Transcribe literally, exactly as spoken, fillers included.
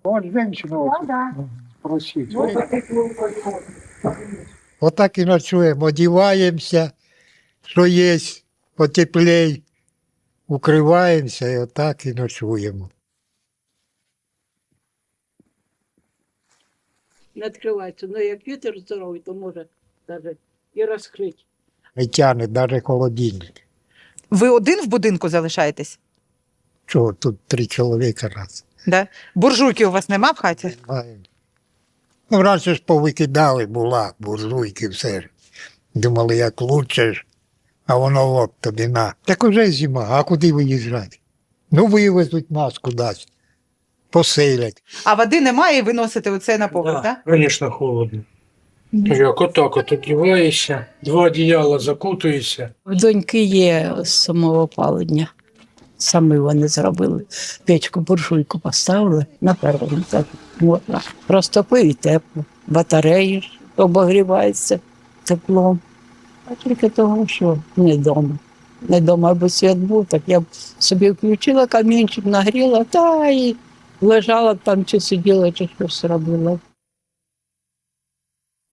Вот женщина вот спросить. Отак і ночуємо, одіваємося, що є, потеплей, укриваємося і отак і ночуємо. Не відкривається. Ну, як вітер здоровий, то може навіть і розкрити. Не тягне навіть холодильник. Ви один в будинку залишаєтесь? Чого, тут три чоловіка раз. Да? Буржуйки у вас нема в хаті? Маємо. Ну, раніше ж повикидали, була буржуйки, все ж. Думали, як лучше ж, а воно от тобі на. Так уже зима, а куди виїжджати? Ну, вивезуть нас кудись, поселять. А води немає і ви носите оце на поверх, так? Да, звісно, холодно. Як отак от одіваєшся, два одіяла закутуєшся. В доньки є самоопалення. Самі вони зробили. Печку, буржуйку поставили на першому так можна. Розтопив і тепло. Батареї обогріваються теплом. А тільки того, що не вдома. Не вдома, аби світ був, так я б собі включила камінчик, нагріла, та і лежала б там, чи сиділа, чи щось робила.